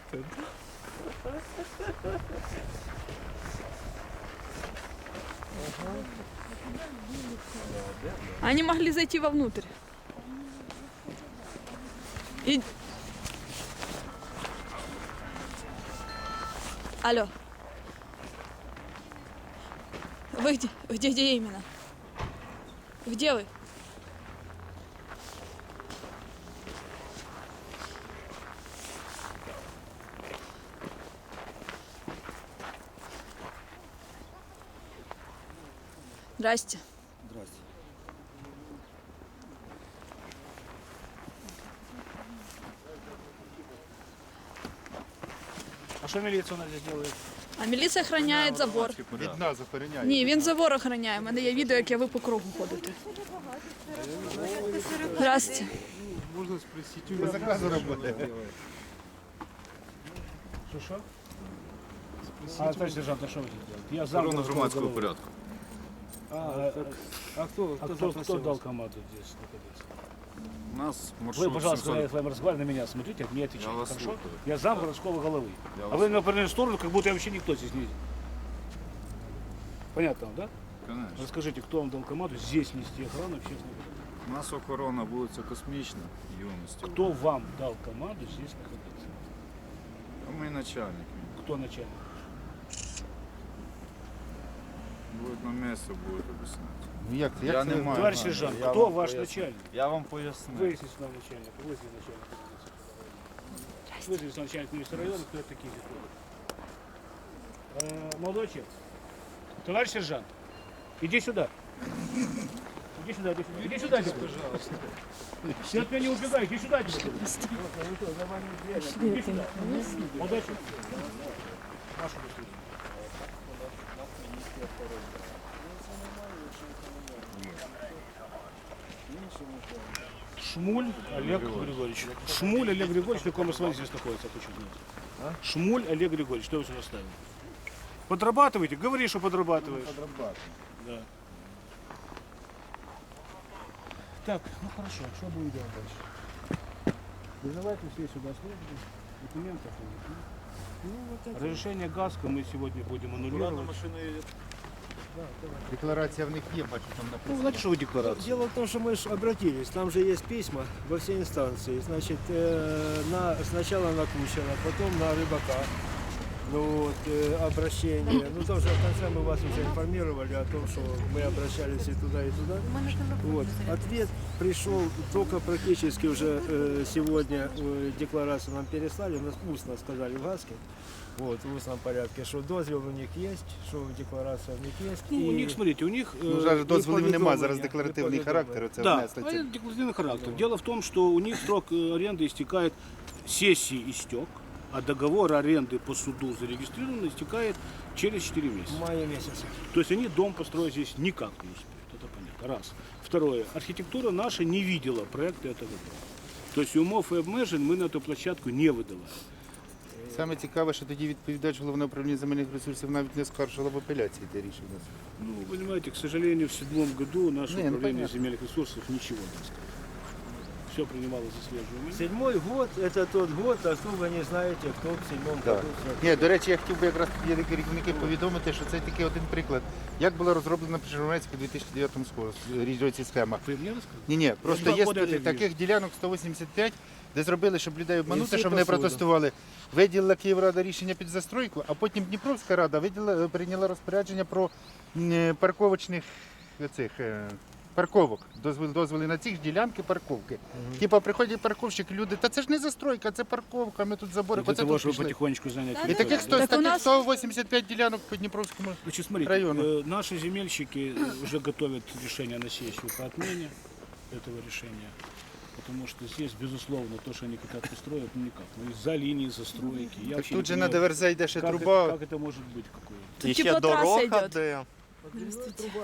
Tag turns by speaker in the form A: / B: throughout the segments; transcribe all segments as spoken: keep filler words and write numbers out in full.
A: Они могли зайти вовнутрь. И... Алло. Вы где? Где, где именно? Где вы? Здрасте.
B: Здрасте.
C: А що міліція у нас здесь делает?
A: А міліція охороняє забор.
D: Від нас охороняє.
A: Ні, він забор охороняє. У мене є відео, як я ви по кругу ходите. Здрасте.
D: Можна спросити, ви заказу робите?
C: Що, що? А, товарищ сержант, а що ви тут делаете? Я зам
D: Охорона громадського
C: голови.
D: порядку.
C: А, а,
B: А кто,
C: а
B: кто,
C: кто,
B: запросил
C: кто дал
B: вас?
C: команду здесь находиться?
D: У нас
C: Вы,
D: маршрут
C: пожалуйста, когда я
D: семьсот.
C: с вами разговариваю, на меня смотрите, мне отвечайте,
D: Я вас
C: хорошо?
D: слушаю.
C: Я зам городского головы.
D: Я
C: А
D: вас
C: вы на определенную сторону, как будто я вообще никто здесь не... Понятно, да?
D: Конечно.
C: Расскажите, кто вам дал команду здесь нести охрану общественного порядка?
D: У нас охорона вулиця Космічна, юності.
C: Кто вам дал команду здесь находиться?
D: А ми начальник.
C: Кто начальник?
D: Будуть на місці, будуть об'ясняти.
E: Ну як це? Як
D: Я
E: це
D: не
E: ви
D: маю.
C: Товарищ
D: знаю.
C: сержант,
D: Я
C: кто
D: вам
C: ваш
D: поясню.
C: начальник?
D: Я вам поясню.
C: Выясните нам начальника, выясните начальника. Выясните нам начальник министра района, кто это такие здесь ходят. Э, Молодой человек, товарищ сержант, иди сюда. Иди сюда, иди сюда. Иди сюда, пожалуйста. Ты от меня не убегай, иди сюда. Иди сюда. Молодой человек. Вашу быстрее. Шмуль Олег Григорьевич. Шмуль Олег Григорьевич, на каком основании здесь находится, я хочу знать. Шмуль Олег Григорьевич, что вы сюда ставили? Подрабатываете? Говори, что подрабатываешь. Да. Так, ну хорошо, что будем делать дальше? Вызывайте все сюда службу, документы оформить. Разрешение ГАСКО мы сегодня будем аннулировать.
E: Декларація в них є, бачу, там
C: Ну,
E: написано.
C: знаете, что вы декларация?
B: Дело в том, что мы же обратились, там же есть письма во все инстанции. Значит, э, на, сначала на Кучера, потом на Рыбака. Ну вот, э, обращение. Ну тоже в конце мы вас уже информировали о том, что мы обращались и туда, и туда. Вот. Ответ пришел только практически уже э, сегодня э, декларацию нам переслали, нас устно сказали в ГАСКе. Вот, в устном порядке, что дозвел у них есть, что декларация у них есть.
C: Ну, у
B: и-
C: них, смотрите, у них... э,
E: Ну, зараз дозволів
B: і
E: немає, зараз
B: повідомлення,
E: декларативний
B: і
E: характер. Оце
C: Да,
E: внесли це.
C: это декларативный характер. Дело в том, что у них срок э, аренды истекает, сессии истек, а договор аренды по суду зарегистрирован истекает через четыре
B: в
C: месяца.
B: мае месяце.
C: То есть они дом построить здесь никак не успеют, это понятно. Раз. Второе. Архитектура наша не видела проекта этого дома. То есть умов и обмежень мы на эту площадку не выдавали.
E: Саме цікаве, що тоді відповідач головного управління земельних ресурсів навіть не скаржила в апеляції те рішення.
C: Ну, вы понимаете, к сожалению, в седьмом году наше
E: Не, ну,
C: управление
E: понятно.
C: земельных ресурсов ничего не сказало. Все принимало заслеживание.
B: Седьмой год – это тот год, а что вы не знаете, кто в седьмом
E: Так.
B: году.
E: Ні, до речі, я хотів би якраз є такі керівники повідомити, що це тільки один приклад. Як була розроблена при Журнальську у дві тисячі дев'ятому році схема.
C: Вы мне рассказали?
E: Ні, ні, просто
C: Ну,
E: є
C: буде
E: ст- таких ділянок сто вісімдесят п'ять, де зробили, щоб людей обманути,
B: всі
E: щоб вони
B: посуду.
E: протестували. Виділила Київрада рішення під застройку, а потім Дніпровська рада виділа, прийняла розпорядження про м, парковочних цих, е, парковок, дозвіл, дозволи на ці ж ділянки парковки. Типа приходять парковщики, люди, та це ж не застройка, це парковка, ми тут забори.
C: Для
E: Оце
C: того,
E: тут
C: чтобы
E: пішли.
C: потихонечку занять.
E: І
A: Да,
C: территорию.
E: таких, сто,
A: Так у
E: таких
A: нас-
E: сто вісімдесят п'ять ділянок по Дніпровському.
C: Значит, смотрите,
E: району.
C: э, наши земельщики э, уже готовят решение на сессию по отмене этого решения. Потому что здесь, безусловно, то, что они хотят построить, ну никак. Ну, из-за линии застройки. Я
E: Так
C: вообще
E: тут же
C: не
E: на
C: понимаю,
E: ДВРЗ йде ще
C: как,
E: труба.
C: это, как это может быть какое-то.
A: Тут теплотрасса идет.
D: де.
B: Труба,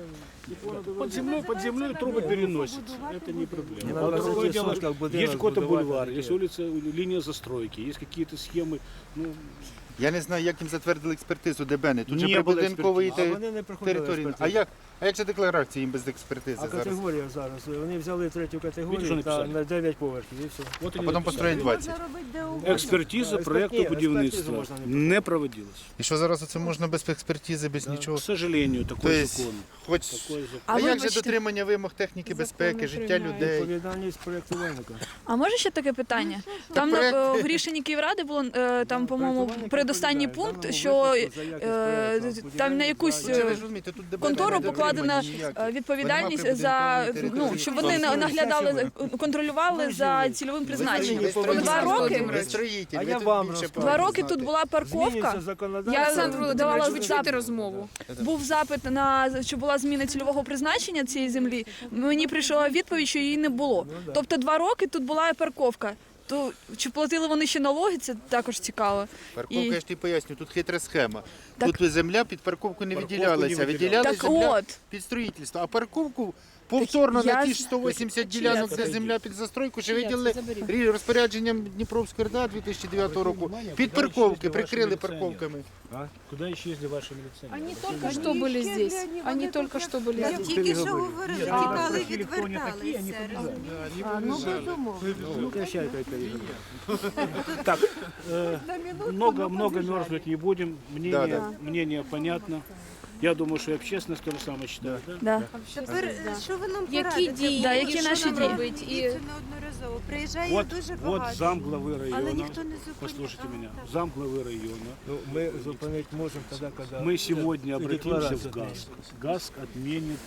B: которая
C: Под землей, под землей трубы переносят. Это не проблема.
B: Не
C: А
B: надо
C: другое
B: зайти
C: дело,
B: в сутки, будинок
C: есть какой-то
B: сбудовать,
C: бульвар,
B: а
C: есть
B: где?
C: улица, линия застройки, есть какие-то схемы. Ну,
E: Я не знаю, як їм затвердили експертизу ДБН. Тут
C: Не
E: же
C: було
E: прибудинкової
B: А
E: те-
B: вони не проходили
E: території. А
B: експертизу.
E: як? А як же декларації їм без експертизи
B: А
E: зараз?
B: категорія зараз. Вони взяли третю
C: Видите,
B: категорію
C: що
B: та
C: написали?
B: на дев'ять поверхів і все.
C: Вот
E: А
C: они
E: потім
C: написали.
E: построїть двадцять.
C: Експертиза
B: Да,
C: проекту
B: експертизу
C: будівництва
B: можна не
C: не проводилась.
E: І що зараз це можна без експертизи, без
B: Да.
E: нічого?
C: К сожалению, такой
E: Тобто,
C: закон.
E: хоч...
C: Такой закон.
E: А,
A: А
E: як же
A: вибачте.
E: дотримання вимог техніки безпеки, життя
A: приймають.
E: людей?
B: Відповідальність проєктувальника.
A: А може ще таке питання? Там
E: проект-
A: е, в рішенні Київради було е, там, по-моєму,
B: Проєктувальник
A: передостанній
B: відповідає. В
A: пункт,
B: даному
A: що
B: випадку за якість
A: е,
B: проєкту,
A: там на
B: будівельник
A: якусь
B: за-
A: е,
E: Ну, ви ж розумієте, тут дебати
A: контору
E: не
A: покладена
E: дотримані ніякі.
A: е, відповідальність
E: Нема
A: за
E: прибудинкової
A: ну,
E: території.
A: щоб вони на- наглядали, контролювали за цільовим призначенням.
B: Ви строїтель.
A: Два роки,
E: Ви строїтель,
B: А
E: ви
B: я
E: тут
B: вам
E: більше
B: розкажу.
A: два
E: повинні
A: роки
E: знати.
A: тут була парковка.
B: Змінюється
A: Я
B: законодавство.
A: Олександр давала
F: Володимирович, ви чуєте
A: запит.
F: розмову?
A: Був запит на що була зміна цільового призначення цієї землі. Мені прийшла відповідь, що її не було.
B: Ну, да.
A: Тобто два роки тут була парковка. То чи платили вони ще налоги? Це також цікаво.
E: Парковка,
A: І-
E: я ж тобі поясню, тут хитра схема.
A: Так-
E: Тут земля під парковку не
C: Парковку
E: виділялася,
C: не
E: виділялася
A: Так
E: земля
A: от.
E: під строїтельство, а парковку повторно
A: я
E: на ті
A: з-
E: ж сто вісімдесят
A: Чия
E: ділянок,
A: це?
E: де земля під застройку, ще
A: Чия це?
E: виділили
A: Заберіть.
E: рі- розпорядженням Дніпровської РДА дві тисячі дев'ятого року. Під парковки прикрили парковками.
C: Куда исчезли ваши милиционеры?
F: Они только что были здесь. Они только что были
G: Я
F: здесь.
G: тільки що говорили,
C: А,
G: тікали,
C: прохили, кто не такие, они
G: відверталися.
C: побежали.
G: А, ну, безумовно.
B: Ну, прощай, той переговор.
C: Так, э, много, много мерзнуть не будем. Мнение,
E: Да,
C: мнение понятно. Я думаю, что и общественность то же самое считает. Да?
A: Да.
G: Тепер, е, що ви нам
F: Які
G: порадите?
F: дії,
A: Да,
F: і
A: які
F: що
A: наші
F: нам
A: дії?
F: робити? І
G: Дивіться неодноразово. Приїжджає
C: Вот,
G: дуже
C: вот
G: багато.
C: зам главы
G: Але
C: района.
G: ніхто не зупиняє.
C: Послушайте
G: А,
C: меня.
G: так.
C: Зам главы района.
B: Ну, мы зупинить можем тогда, когда...
C: Мы сегодня обратимся
B: декларацию
C: в ГАСК. ГАСК отменит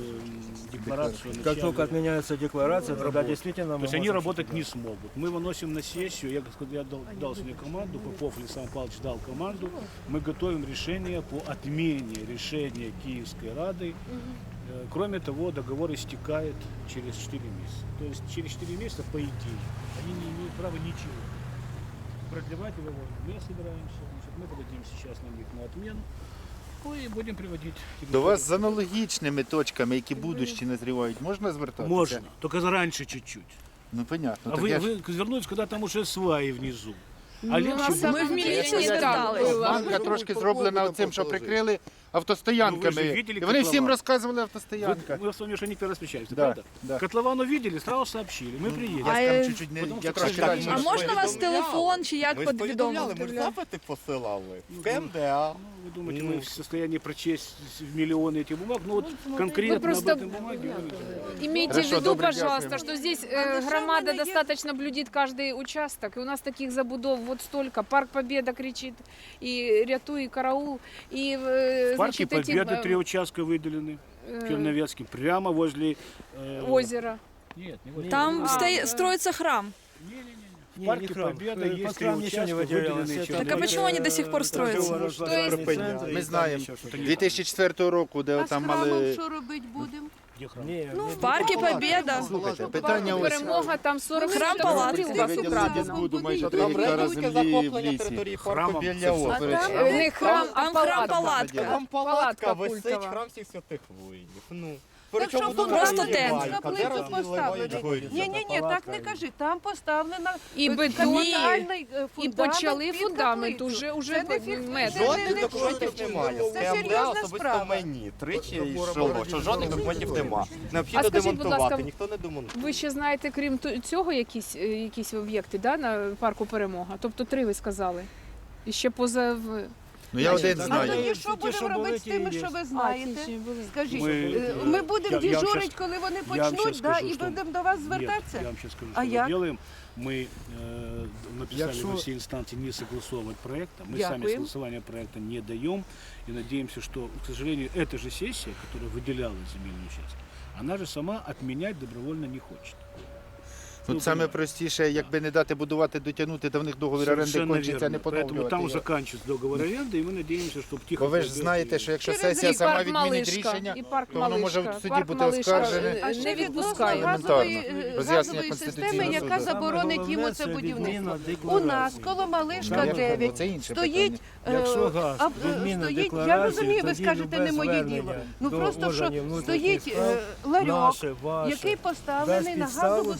C: э, декларацию.
B: Как
C: начала.
B: только отменяется декларация, тогда действительно мы
C: То есть они
B: можем
C: работать
B: что-то
C: не смогут. Мы выносим на сессию, я, сказал, я дал, дал сегодня команду, Попов Александр Павлович дал команду, мы готовим решение по отмене решения Киевской Рады. Э, Кроме того, договор истекает через четыре месяца. То есть через четыре месяца, по идее, они не имеют права ничего. Продлевать его мы не собираемся. Значит, мы подадим сейчас на них на отмену. Ну и будем приводить.
E: До вас з аналогічними точками, які будущі назрівають, можна звертатися?
C: Можно, только зараньше чуть-чуть.
E: Ну, понятно.
C: А
E: Так
C: вы,
E: я ж-
C: вы вернулись, когда там уже сваи внизу. А
F: Ну,
C: легче
F: на
C: будет.
F: самом
A: Ми в
F: деле
A: міліцію
F: не так
A: звертались.
F: було.
E: Банка трошки зроблена цим, що прикрили автостоянками.
C: Ну, ви ж видели
E: І вони всім
C: котлован?
E: розказували
C: Вы,
E: автостоянка.
C: мы с вами уже не первый раз встречаемся,
E: Да,
C: правда?
E: да.
C: Котлован увидели, сразу сообщили. Мы приедем.
A: А,
E: Я
A: е,
E: скажу, чуть-чуть не
C: потому
E: я
C: що
E: трошки
C: так,
E: далі.
A: А
C: ми ж
A: можна у вас телефон чи як
H: Ми ж повідомляли, ми ж
A: повідомити?
H: запити посилали. В КМДА.
C: Ну, вы думаете,
H: Ну.
C: мы в состоянии прочесть миллионы этих бумаг? Ну вот конкретно
F: просто-
C: об этом бумаге вы не
F: Имейте
E: Хорошо,
F: в виду,
E: добре,
F: пожалуйста,
E: дякуємо.
F: что здесь
G: Але
F: э,
G: що
F: громада
G: в мене є-
F: достаточно блюдит каждый участок. И у нас таких забудов вот столько. Парк Победа кричит, и рятуй, и караул. И, э,
C: В парке
F: значит, эти,
C: Победы
F: э,
C: три участка выделены.
F: э,
C: Черновецкий, прямо возле... э,
F: озеро.
C: Нет, не возле.
A: Там
F: А,
A: стои-
F: е.
A: строится храм.
C: В
B: Не,
C: парке
B: не храм.
C: Победа
B: Э,
C: есть
B: под
C: три
B: храм ничего не
C: участка,
B: выделялось.
C: выделенные
B: Это
C: Черновецким.
A: Так а почему они до сих пор строятся?
E: Ми
B: Ми
E: знаємо, дві тисячі четвертого року, де
G: А з
E: там
G: храмом
E: мали...
G: що робити будемо?
C: Где храм?
B: Ні,
G: Ну,
B: не
A: В парке Победа.
E: Слухайте,
F: Парк
E: питання ось...
F: Перемога, там сорок
A: Храм
F: метрів
A: палатки.
F: горів у вас
E: Виділили
F: украдено.
E: Дідбуду майже три
H: Там
E: гектара
H: редуйте
E: землі в
H: захоплення
E: лісі.
H: території
C: Храмом
H: парку
C: це
H: біля
C: все.
H: озера.
F: Е, Не храм, а
A: Там храм
F: палатка.
A: палатка.
H: Там палатка
F: Палатка
H: висить,
F: культова.
H: храм всіх святих воїнів. Ну.
G: Так що
H: тут
A: просто
H: розливають,
A: тент.
H: а
G: Каплицю
H: де розливають
G: поставили.
H: горі?
G: Ні, ні, ні, так не кажи. Там поставлена
F: І бетон,
G: капітальний е,
F: і
G: фундамент
F: почали
G: під
F: фундамент
G: каплицю.
F: уже, уже
G: Це не фік-
F: метр.
G: це не-
H: Жодних
G: не
H: документів
G: шутки.
H: немає.
G: Це
H: В КМДА
G: серйозна
H: особисто
G: справа.
H: мені тричі
B: Забора
H: йшло,
B: Бородіна
H: що жодних
B: не
H: документів
B: було.
H: нема.
F: А
H: Необхідно
F: скажіть, будь
H: демонтувати,
F: ласка,
H: ніхто не демонтує.
F: Ви ще знаєте, крім ту- цього, якісь, е, якісь об'єкти да, на парку Перемога? Тобто три ви сказали. І ще поза... в-
E: Ну я один
B: Так,
G: А
E: знаю.
G: тоді
B: Ті,
G: що
B: що
G: будемо робити з
B: були, ті
G: тими,
B: і
G: що
B: є.
G: ви знаєте?
F: А, ті, ті були.
G: Скажіть,
C: Ми,
G: е,
C: е,
G: ми будемо
C: я- я вам
G: дежурити,
C: щас-
G: коли вони
C: я вам
G: почнуть,
C: щас
G: да,
C: скажу,
G: і
C: що-
G: будемо до вас
C: Нет,
G: звертатися?
C: я вам сейчас скажу,
G: А
C: что
G: як?
C: мы делаем. Мы э, написали
B: Якщо-
C: на все инстанции не согласовывать проекта. Мы сами
G: Дякую.
C: согласования проекта не даем. И надеемся, что, к сожалению, эта же сессия, которая выделяла земельный участок, она же сама отменять добровольно не хочет.
E: Тут
C: Ну,
E: саме
C: понятно.
E: простіше, якби не дати будувати, дотягнути, то в них договір оренди
C: Совершенно
E: кончиться,
C: верно.
E: не
C: Поэтому
E: поновлювати
C: там
E: його.
C: заканчивается договор аренды, и мы надеемся, что тихо...
E: Бо ви ж
C: пройдет
E: знаєте,
C: и-
E: що якщо
G: Через
E: сесія
G: рік
E: сама
F: парк
E: відмінить
F: Малишка,
E: рішення,
F: і парк
E: то воно може
F: Малишка.
E: в суді
F: Парк
E: бути
F: Малишка,
E: оскаржене.
F: е,
G: А
F: не
G: ще відносно
F: відпускаємо.
G: газової,
E: Елементарно.
G: е,
E: Роз'яснення
G: газової
E: Конституційного
G: системи, яка
E: суду.
G: заборонить
B: Саме
G: його
B: головне,
G: це
B: це
G: будівництво.
B: відміна
G: У нас
B: декларації.
G: коло Малишка
B: Так,
E: Я
G: дев'ять
E: кажу, це інше
G: стоїть,
E: питання.
G: е,
B: Якщо газ,
G: а, е,
B: відміна
G: стоїть, я
B: декларації,
G: розумію, ви
B: тоді
G: скажете, не
B: любе
G: моє
B: звернення
G: діло. Ну
B: до
G: просто що
B: органів внутрішніх
G: стоїть
B: справ
G: е, ларьок,
B: Наше, ваше,
G: який поставлений на
B: дасть підставу
G: газову
B: для них для
G: систему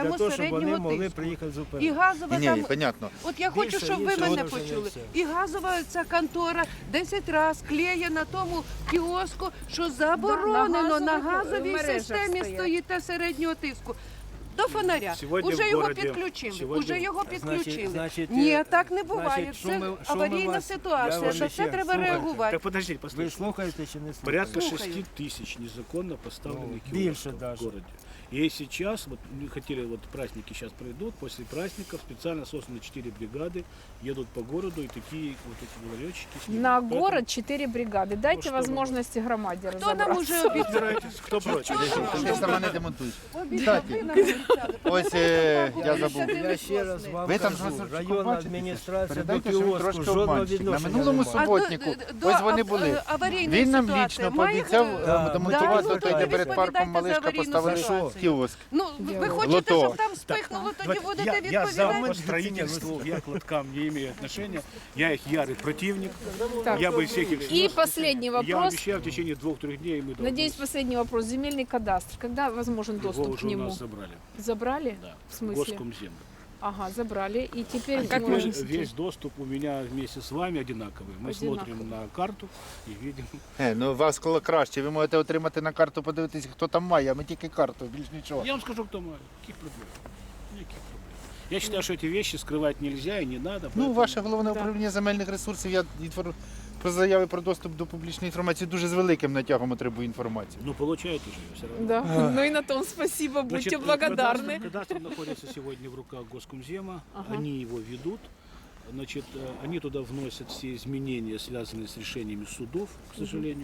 G: самому
B: те, щоб вони
G: середнього
B: могли
G: тиску.
B: приїхати
G: І
B: зупинити.
G: газова
E: Ні,
G: там.
E: ні, понятно.
G: От я хочу,
B: Більше,
G: щоб ви
B: більше
G: мене
B: вираження
G: почули.
B: все.
G: І газова ця контора десять разів клеє на тому кіоску, що заборонено
F: на
G: на
F: газових
G: газовій
F: мережах
G: системі
F: стоять.
G: стоїте середнього тиску. До фонаря.
C: Сьогодні
G: Уже
C: в
G: його
C: городі-
G: підключили.
C: сьогодні-
G: Уже його
B: Значить-
G: підключили.
B: значить,
G: Ні,
B: е,
G: так не буває.
B: значить, що
G: Це
B: ми- що ми
G: аварійна
B: вас- я
G: ситуація.
B: вам
G: На
B: ще
G: це треба
B: слухайте.
G: реагувати.
C: Так подождите,
B: Ви
C: послушайте.
B: слухаєте чи не слухаєте?
C: Порядка
G: Слухаю.
C: шести тысяч незаконно поставленных
B: Ну, больше
C: киосков
B: даже.
C: в городе. И сейчас, вот мы хотели, вот праздники сейчас пройдут, после праздников специально созданы четыре бригады, едут по городу и такие вот эти ларечки снимают.
F: На
C: Поэтому
F: город четыре бригады. Дайте
C: что
F: возможности громаде
G: Хто нам
F: разобраться.
G: уже обіцяв?
C: разбирайтесь, кто против.
E: Ти сама не демонтуєш.
G: Обіцяв, ви нам обіцяли.
E: Ось е, я забув.
B: Я ще раз вам
E: Ви там
B: кажу,
E: ж
B: районна
E: бачите,
B: адміністрація до
E: передайте, що він
B: кіоску
E: трошки
B: жодного
E: обманщик. На
B: відношення
E: минулому
B: немає.
E: суботнику,
G: А до- до
E: ось вони
G: ав-
E: були.
G: е, аварійної
E: Він нам
G: ситуації
E: лічно
G: має
E: пообіцяв
G: хто?
E: е,
B: Да.
E: демонтувати
G: Да, ну,
E: той,
G: тоді
E: де перед
G: відповідайте
E: парком
G: за
E: Малишка
G: аварійну
E: поставили
G: ситуацію.
E: кіоск.
G: Ну, ви хочете,
E: Лото.
G: щоб там спихнуло, тоді будете
C: я, я за
G: відповідати.
C: по строительству, я к лоткам не имею отношения. Я их ярый противник.
F: Так.
C: Я бы всех их
F: И
C: снес.
F: последний
C: Я
F: вопрос.
C: обещаю в течение двух-трех дней мы
F: Надеюсь, последний вопрос. Земельный кадастр. Когда возможен
C: его
F: доступ
C: уже
F: к
C: у
F: нему?
C: нас забрали.
F: Забрали?
C: Да.
F: В смысле?
C: Госкомзем.
F: Ага, забрали. И теперь
A: как
F: можно-
A: можно?
C: Весь доступ у меня вместе с вами одинаковый. Мы
F: Одинаковый.
C: смотрим на карту и видим.
E: Е, ну у вас коло краще. Ви можете отримати на карту, подивитися, хто там має, а ми тільки карту, більш нічого.
C: Я вам скажу, кто мой. Каких проблем? Никаких проблем. Я считаю, что эти вещи скрывать нельзя и не надо.
E: Ну,
C: поэтому-
E: ваше головне управління земельних ресурсів, я інфор- про заяви про доступ до публічної інформації дуже з великим натягом отримую інформацію.
C: Ну, получаете же ее все равно.
F: Да. Ну и на том спасибо. Будьте
C: Значит,
F: благодарны.
C: Кадастр, кадастр находится сегодня в руках Госкомзема.
F: Ага.
C: Они его ведут. Значит, э, они туда вносят все изменения, связанные с решениями судов, к сожалению.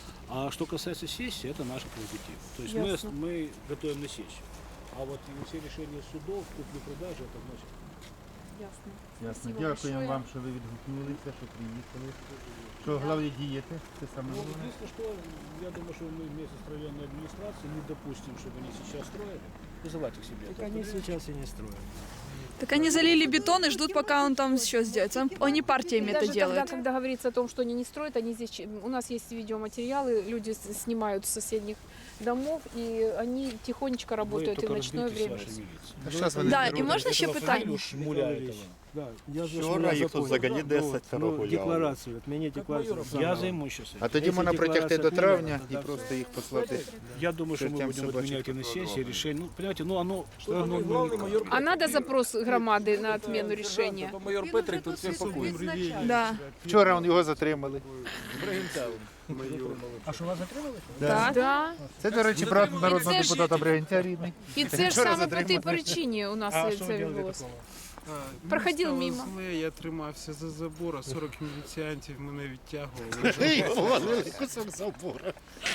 C: А что касается сессии, это наш прерогатив. То есть мы,
F: Ясно.
C: мы готовим на сессию. А вот все решения судов, купли-продажи, это вносит.
F: Ясно.
E: Ясно.
F: Спасибо
E: Дякуємо
F: большое.
E: вам, що ви відгукнулися, що приїхали. Що головне діяти, це саме
C: Ну,
E: головне.
C: единственное, что я думаю, что мы вместе с районной администрацией не допустим, чтобы они сейчас строили. Вызывать их себе.
B: Так они сейчас и не строят.
A: Так они залили бетон и ждут, пока он там все сделает. Сам- Они партиями
F: И
A: это
F: даже тогда,
A: делают.
F: когда говорится о том, что они не строят, они здесь, ч- у нас есть видеоматериалы, люди с- снимают с соседних домов, и они тихонечко
C: Вы
F: работают и в
C: только
F: ночное
C: разберитесь с
F: время.
C: вашей милицией.
E: А щас вони
A: Да,
E: зроблять.
A: і можна ще
C: Этого
A: питання?
C: фамилию Шмуля этого.
B: Да, я же
H: Вчора
B: ж
H: їх тут
B: запомнив.
H: взагалі
B: Ну,
H: десятеро
B: ну,
H: гуляли.
B: декларацію, отменіть декларацію.
C: Я
B: заново.
C: займусь сейчас.
E: А тоді
B: Якщо
E: можна протягти до
B: декларація
E: травня
B: прийнята,
E: і
B: то
E: просто їх послати.
C: Я думаю, что мы
E: Чертям
C: будем
E: собачьих
C: отменять и на
D: квадратов.
C: сессии решение. Ну, понимаете, ну оно... оно ну, никак.
F: А надо запрос громады на отмену решения?
I: Майор Петрик тут всіх пакує.
A: Да.
E: Вчора он його затримали.
B: А що вас затримали?
F: Да. да.
E: Це, до речі, брат народного
F: це ж-
E: депутата Бригинця рідний.
F: І це ж
E: Вчора
F: саме по тій
E: затримали.
F: причині у нас
C: А
F: це
C: что вы делали
F: відбулося.
C: такого?
F: Проходив
I: Мені
F: мимо.
I: стало зле, я тримався за забор, а сорок міліціантів мене відтягували.
E: Ей, головний кусок забора.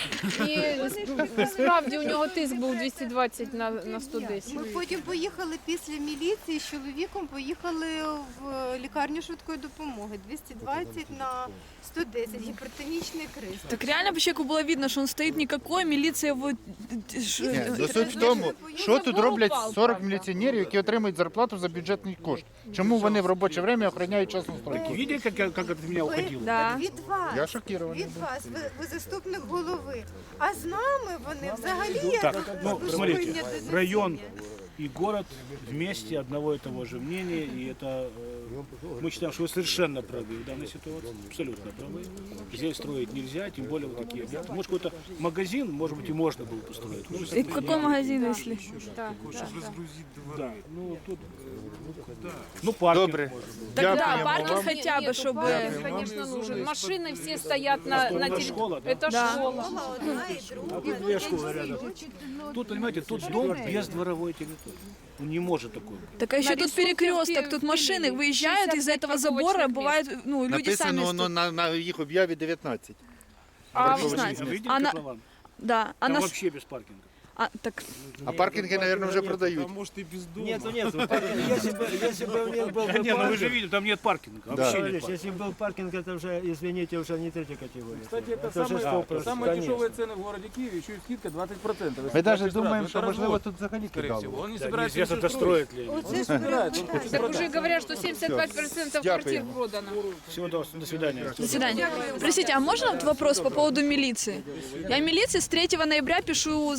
F: І справді у нього тиск був двісті двадцять на, на сто десять.
J: Ми потім поїхали після міліції з чоловіком, поїхали в лікарню швидкої допомоги. двісті двадцять на сто десять, гіпертонічний криз.
A: Так реально по человеку было видно, что он стоит никакой, милиция его... ш-
E: Ні, ну суть в тому, що тут роблять сорок міліціонерів, які отримують зарплату за бюджетний кошт. Чому вони в робоче время охороняють частну стройку?
C: Видели, как, я- как это меня уходило?
A: Да.
J: Від вас,
E: Я шокірований.
J: від вас, ви, ви заступник голови. А з нами вони взагалі як
C: Так, ну,
J: службиня
C: смотрите,
J: до
C: район
J: засідання.
C: и город вместе одного и того же мнения, и это э, мы считаем, что вы совершенно правы в данной ситуации, абсолютно правы. Здесь строить нельзя, тем более вот такие объекты. Может, какой-то магазин, может быть, и можно было построить. Ну,
A: И какой магазин, если?
F: Так,
I: Хочеш розгрузити
C: да,
I: двори.
C: ну тут, э, ну паркинг
E: Добре.
C: может быть.
A: Так да,
E: Дякуємо
A: паркинг
E: вам.
A: хотя бы,
F: Нету,
A: чтобы...
F: паркинг, конечно, нужен. Машины все стоят на, на
C: Это
F: территории.
C: школа, да?
F: Это
A: Да.
F: школа.
J: Школа одна і друга.
C: А тут две школы рядом. Тут, понимаете, тут дом без дворовой территории. Он не может такой быть.
A: Так а еще
F: На
A: тут
F: рисунке
A: перекресток,
F: в
A: тут
F: Киеве
A: машины выезжают, из-за этого
F: шестьдесят пять
A: забора
F: парковочных
A: бывает, ну, люди сами...
E: Написано воно
A: сту-
E: на, на їх об'яві дев'ятнадцять.
A: А,
E: Парковочных
A: знаете,
C: А вы видели
A: она-
C: котлован?
A: Да, а
C: Там
A: наш...
C: вообще без паркинга.
A: А, так,
E: А паркінги, мабуть, вже продають.
I: А може і без дому.
B: Нету, нету. паркинга. Если бы, если бы у них был бы
C: Не, ну вы же
B: паркинг,
C: видели, там нет паркинга. Вообще нет
B: Товарищ,
C: паркинга.
B: если был паркинг, это уже, извините, уже не третья категория.
I: Кстати, это,
B: Это же
I: самые,
B: сто процентов,
I: самые
B: конечно.
I: дешевые цены в городе Киеве, еще и скидка двадцать процентов.
E: Ми навіть думаємо, що можливо тут взагалі
I: скорее всего.
E: кидали.
I: Он не
C: Да,
I: собирается
C: неизвестно,
I: ничего
C: достроит ли.
J: Оце ж
I: собирает, он
J: перепитання.
F: Так уже говорят, что семьдесят пять процентов
E: Дякую.
F: квартир продано.
C: Всего до, до свидания.
A: до свидания. Простите, а можно вот вопрос по поводу милиции? Я милиции с третьего ноября пишу заявление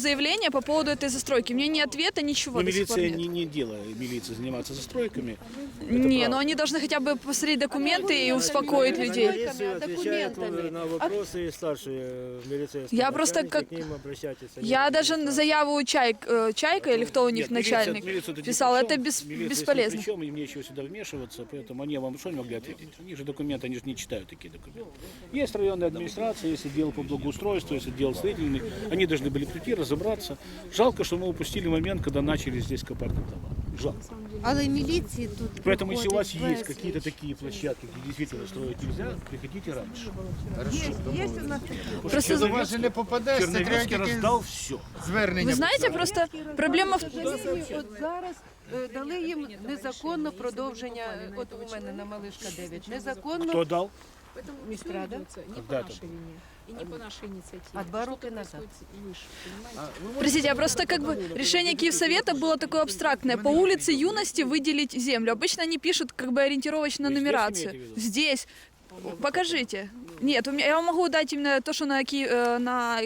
A: решение по поводу этой застройки. Мне ни ответа, ничего
C: Но
A: до сих пор
C: милиция
A: нет.
C: не, не дело милиции заниматься застройками.
A: Не, но они должны хотя бы посмотреть документы и успокоить
B: На
A: людей.
B: милицию отвечает
G: документами.
B: на вопросы старшие милицейские.
A: Я просто
B: начальники,
A: как-
B: к ним обращайтесь, они
A: Я
B: будут
A: даже
B: решать.
A: заяву Чай, э, Чайка или кто у них
C: Нет, милиция-
A: начальник
C: милиция тут ни
A: писал,
C: при
A: это
C: чем.
A: бес-
C: Милиция
A: бесполезно.
C: ни при чем, им нечего сюда вмешиваться, поэтому они вам что они могли ответить? У них же документы, они же не читают такие документы. Есть районная администрация, есть отдел по благоустройству, есть отдел строительный, они должны были прийти, разобраться. Жалко, что мы упустили момент, когда начали здесь копать дома. Жалко.
J: Але міліції тут
C: Поэтому, если у вас
J: приходить
C: есть
J: без-
C: какие-то такие площадки, где действительно строить нельзя, приходите раньше.
G: Є, є у нас
A: Просто
E: До вас же не попадеш, це треба
C: Черновецкий
E: тільки
C: раздал все.
E: звернення.
A: Вы знаете, просто проблема в...
G: От зараз е, дали їм незаконно продовження, е, от у мене на Малишка дев'ять, незаконно
C: Кто дал?
G: міськрада,
C: Когда это было?
F: И не по нашей инициативе.
G: а два роки назад.
A: Простите, а просто как бы решение Киевсовета было такое абстрактное. По улице Юности выделить землю. Обычно они пишут как бы ориентировочно
C: Вы здесь
A: нумерацию.
C: имеете в виду?
A: Здесь. Покажите. Нет, у меня, я вам могу дать именно то, что на... Ки- э, на...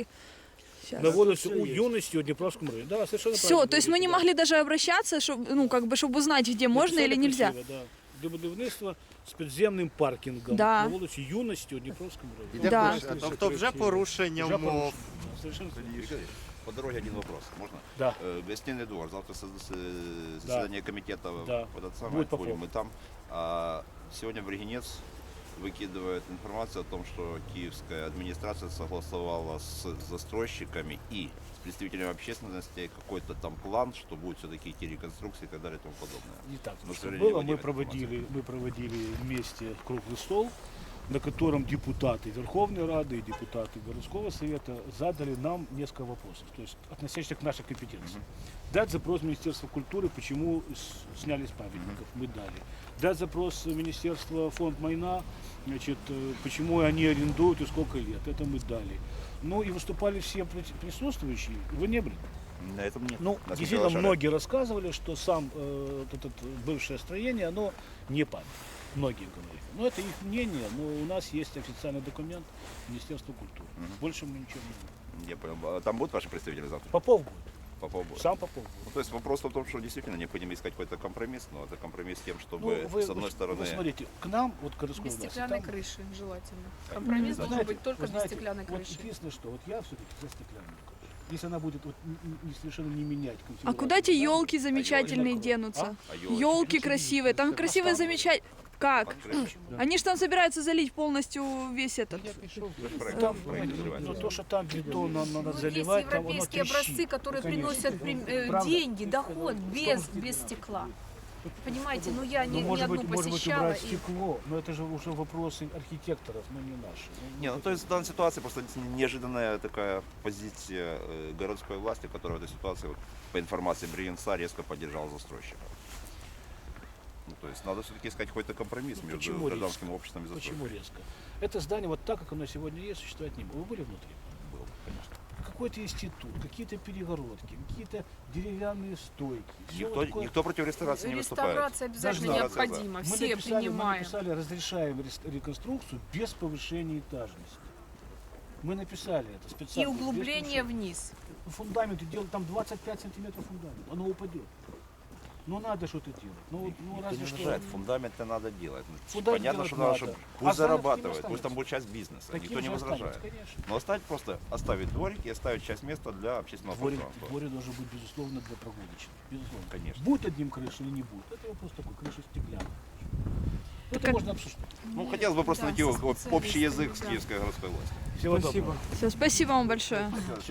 C: На волости у юности, у Днепровском районе. Да, совершенно
A: Все,
C: правильно
A: то есть мы не
C: говорите,
A: могли даже обращаться, чтобы, ну, как бы, чтобы узнать, где
C: да.
A: можно или
C: Написали
A: нельзя.
C: красиво, да. Для будівництва з підземним паркінгом
A: Да.
C: на вулиці Юності у Дніпровському районі.
E: Іде
A: Да.
E: кошти.
H: Тобто вже порушення
C: Вже
H: умов.
C: порушено. Совершенно
K: По дороге один вопрос, можно?
C: Да.
K: Э, Гостиный двор, завтра со- с- э, заседание комитета,
C: Да.
K: в этот самый,
C: Будет
K: будем
C: Попов.
K: мы там. А сегодня Бригинец выкидывает информацию о том, что киевская администрация согласовала с застройщиками и с представителями общественности какой-то там план, что будет все-таки идти реконструкция и так далее и тому подобное.
C: Не так.
K: Ну,
C: Что
K: к
C: было,
K: сожалению,
C: мы
K: нет
C: проводили, мы проводили вместе круглый стол, на котором депутаты Верховной Рады и депутаты городского совета задали нам несколько вопросов, то есть относящихся к нашей компетенции. Дать запрос Министерства культуры, почему с- сняли с памятников, мы дали. Дать запрос Министерства фонд Майна, значит, э, почему они арендуют и сколько лет, это мы дали. Ну и выступали все при- присутствующие, вы не были?
K: На этом нет.
C: Ну,
K: Нас не
C: действительно,
K: приглашали.
C: многие рассказывали, что сам э, вот это бывшее строение, оно не память. Многие говорили. Но это их мнение, но у нас есть официальный документ Министерства культуры.
K: Мгм.
C: Больше мы ничего не знаем.
K: Я понял. А там будут ваши представители завтра?
C: Попов будет.
K: Попов будет?
C: Сам Попов будет.
K: Ну, то есть вопрос в том, что действительно необходимо искать какой-то компромисс, но это компромисс с тем, чтобы
C: Ну, вы,
K: с одной
C: вы-
K: стороны...
C: вы смотрите, к нам, вот к городской
F: Без
C: власти,
F: стеклянной
C: там-
F: крыши желательно. Компромисс
C: Вы
F: должен
C: знаете-
F: быть только
C: вы
F: без
C: знаете,
F: стеклянной
C: вот
F: крыши.
C: единственное, что вот я все-таки за стеклянную крышу. Если она будет вот н- н- не совершенно не менять
A: А
C: конфигурацию
A: куда эти
C: здания,
A: елки замечательные
C: А?
A: денутся?
K: А ёлки?
A: Елки красивые, там красивые замечательные. Как?
K: Под крышей.
A: Они же там собираются залить полностью весь этот.
K: Вы же проект-
C: Там,
K: проект называется.
C: но то, что там бетон нам надо
F: Ну, есть
C: заливать, там оно
F: европейские
C: трещит.
F: образцы, которые
C: Конечно.
F: приносят прим- э,
C: Правда?
F: деньги, доход без, без стекла. Понимаете, ну я
C: Ну,
F: не, ни
C: может
F: одну
C: быть, может быть,
F: посещала.
C: убрать
F: и-
C: стекло, но это же уже вопросы архитекторов, но не наши.
K: Не, ну то есть в данной ситуации просто неожиданная такая позиция э, городской власти, которая в этой ситуации, вот, по информации Бригинца, резко поддержала застройщика. Ну, то есть надо все-таки искать какой-то компромисс
C: Ну,
K: между
C: почему
K: гражданским обществом и застройщиком.
C: Почему резко? Это здание вот так, как оно сегодня есть, существовать не будет. Вы были внутри?
K: Был, конечно.
C: Какой-то институт, какие-то перегородки, какие-то деревянные стойки. Всё
K: Никто,
C: вот такое.
K: никто против реставрации не выступает.
F: Реставрация обязательно
K: Должна.
F: необходима,
C: Мы
F: все
C: написали, мы
F: принимаем.
C: написали, разрешаем рес- реконструкцию без повышения этажности. Мы написали это
F: И
C: специально. без
F: углубление
C: повышения.
F: вниз.
C: Фундамент делать там двадцать пять сантиметров фундамент, оно упадет. Ну надо что-то делать. Ну, вот, ну
K: Никто
C: разве
K: не
C: что.
K: возражает, фундамент-то надо делать. Ну,
C: Фундамент
K: Понятно,
C: делать
K: что надо,
C: надо.
K: чтобы
C: А
K: пусть
C: здание
K: зарабатывает,
C: таким
K: пусть там
C: останется.
K: будет часть бизнеса,
C: Таким
K: никто не
C: же
K: возражает.
C: останется, конечно.
K: Но оставить просто, оставить дворик и оставить часть места для общественного
C: Дворик,
K: пространства.
C: дворик должен быть, безусловно, для прогулочных. Безусловно.
K: Конечно.
C: Будет одним крыша или не будет? Это вопрос такой, крыша стеклянная. Это
A: как-
C: можно обсуждать.
K: Ну, хотелось бы просто
F: Да,
K: найти
F: со
K: вот общий язык с
F: специалистами, да.
K: киевской городской властью.
C: Всего
I: Спасибо.
C: доброго.
A: Все, спасибо вам большое.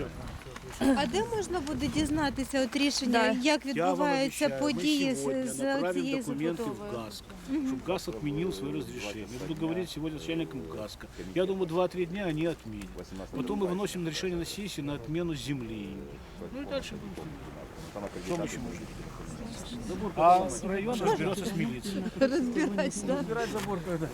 J: А де можна буде дізнатися от рішення,
A: Да.
J: як
C: Я вам
J: відбуваються
C: обещаю,
J: події
C: мы
J: з,
C: сегодня
J: з
C: направим
J: цією
C: документы в
J: забудовою?
C: ГАСК, чтобы ГАСК отменил свое разрешение. Я буду говорить сегодня с начальником ГАСКа. Я думаю, два-три дня они отменят. Потом мы выносим на решение на сессии на отмену земли. Ну и дальше будем. Что мы еще можем сделать? Забор а район разберется с милицией.
A: Разбирать, да.
C: Разбирать забор когда.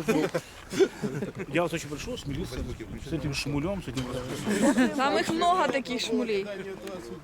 C: Я вас очень прошу, с милицией, с этим шмулем, с этим
A: Там их много таких шмулей.